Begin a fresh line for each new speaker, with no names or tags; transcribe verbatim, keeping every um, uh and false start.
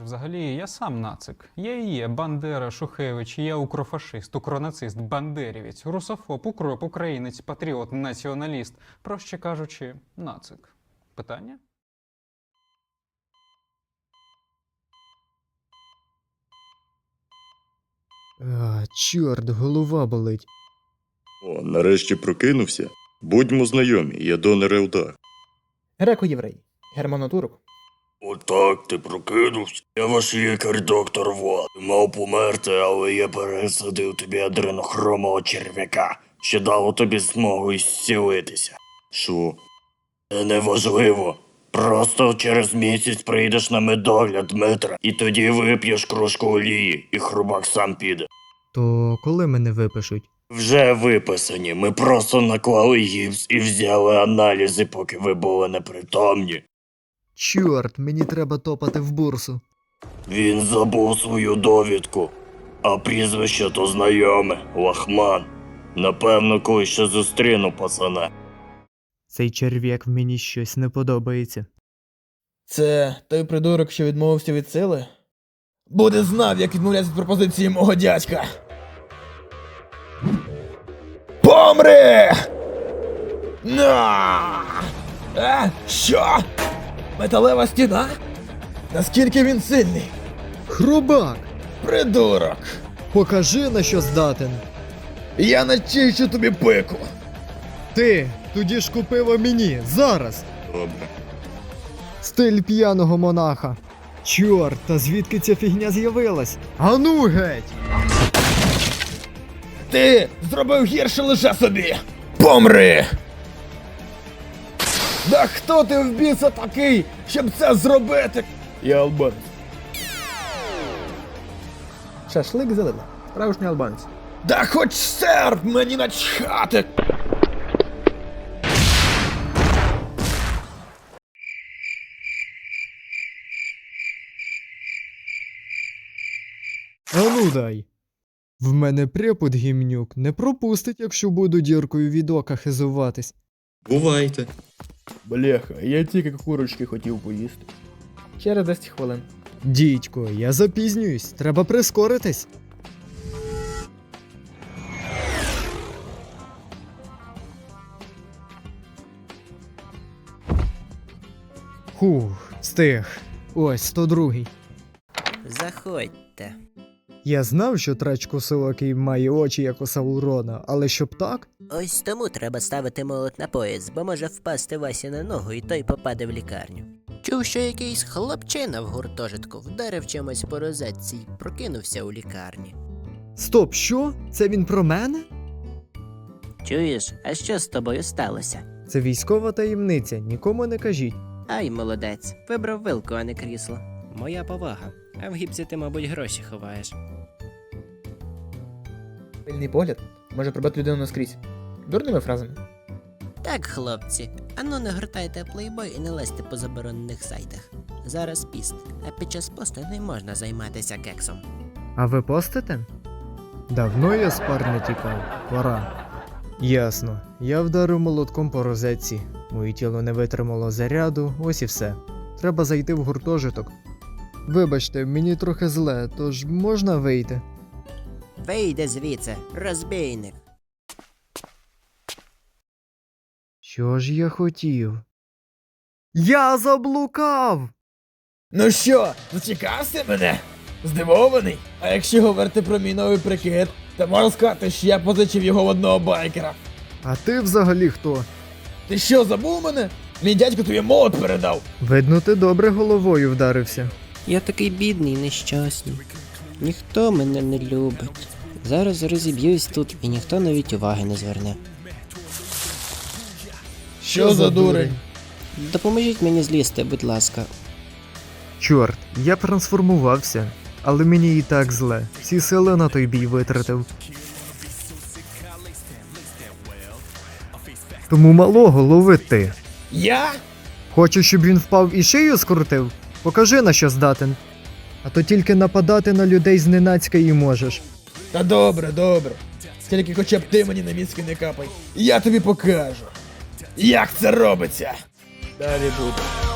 Взагалі, я сам нацик. Я і є Бандера, Шухевич, я укрофашист, укронацист, бандерівець, русофоб, укроп, українець, патріот, націоналіст. Проще кажучи, нацик. Питання?
А, чорт, голова болить.
О, нарешті прокинувся. Будьмо знайомі, я донор Елдар.
Греко-єврей. Германотурок.
Отак ти прокинувся. Я ваш лікар доктор Влад. Мав померти, але я пересадив тобі адренохромого черв'яка, що дало тобі змогу зцілитися. Що? Це неважливо. Просто через місяць прийдеш на медогляд Дмитра, і тоді вип'єш кружку олії, і хрубак сам піде.
То коли мене випишуть?
Вже виписані, ми просто наклали гіпс і взяли аналізи, поки ви були непритомні.
Чорт, мені треба топати в бурсу.
Він забув свою довідку, а прізвище то знайоме – Лахман. Напевно, коли ще зустріну пацана.
Цей черв'як мені щось не подобається.
Це той придурок, що відмовився від сили? Буде знав, як відмовлятися від пропозиції мого дядька. Помри! На! Е, що? Металева стіна? Наскільки він сильний?
Хрубак!
Придурок!
Покажи, на що здатен.
Я начищу тобі пику!
Ти, тоді ж купила мені, зараз!
Добре.
Стиль п'яного монаха. Чорт, та звідки ця фігня з'явилась? Ану геть!
Ти зробив гірше лише собі! Помри! Да хто ти в біса такий, щоб це зробити? Я албанець. Шашлик зелена. Справжній албанець. Да хоч серб, мені начхати!
Ану дай. В мене препод гімнюк не пропустить, якщо буду діркою від ока хизуватись.
Бувайте.
Бляха, я тільки курочки хотів поїсти. Через десять хвилин.
Дідько, я запізнююсь, треба прискоритись. Хух, встиг. Ось, сто другий.
Заходьте.
Я знав, що трач косилокий має очі, як у Саурона, але щоб так?
Ось тому треба ставити молот на пояс, бо може впасти Васі на ногу і той попаде в лікарню. Чув, що якийсь хлопчина в гуртожитку вдарив чимось по розетці й прокинувся у лікарні.
Стоп, що? Це він про мене?
Чуєш, а що з тобою сталося?
Це військова таємниця, нікому не кажіть.
Ай, молодець, вибрав вилку, а не крісло. Моя повага. А в гіпсі ти, мабуть, гроші ховаєш.
Пильний погляд може пробити людину наскрізь. Дурними фразами.
Так, хлопці, ану не гортайте плейбой і не лезьте по заборонених сайтах. Зараз піст, а під час посту не можна займатися кексом.
А ви постите? Давно я з пар не тікав. Пора. Ясно. Я вдарив молотком по розетці. Моє тіло не витримало заряду, ось і все. Треба зайти в гуртожиток. Вибачте, мені трохи зле, тож можна вийти?
Вийди звідси, розбійник.
Що ж я хотів? Я заблукав!
Ну що, зачекався мене? Здивований? А якщо говорити про мій новий прикид, то можна сказати, що я позичив його в одного байкера.
А ти взагалі хто?
Ти що, забув мене? Мій дядько тобі молот передав.
Видно, ти добре головою вдарився.
Я такий бідний і нещасний. Ніхто мене не любить. Зараз розіб'юсь тут і ніхто навіть уваги не зверне.
Що за дурень?
Допоможіть мені злізти, будь ласка.
Чорт, я трансформувався, але мені і так зле. Всі сили на той бій витратив. Тому малого лови ти.
Я?
Хочеш, щоб він впав і шию скрутив? Покажи, на що здатен. А то тільки нападати на людей зненацька і можеш.
Та добре, добре. Тільки хоча б ти мені на мізки не капай. Я тобі покажу. Як це робиться? Далі буде.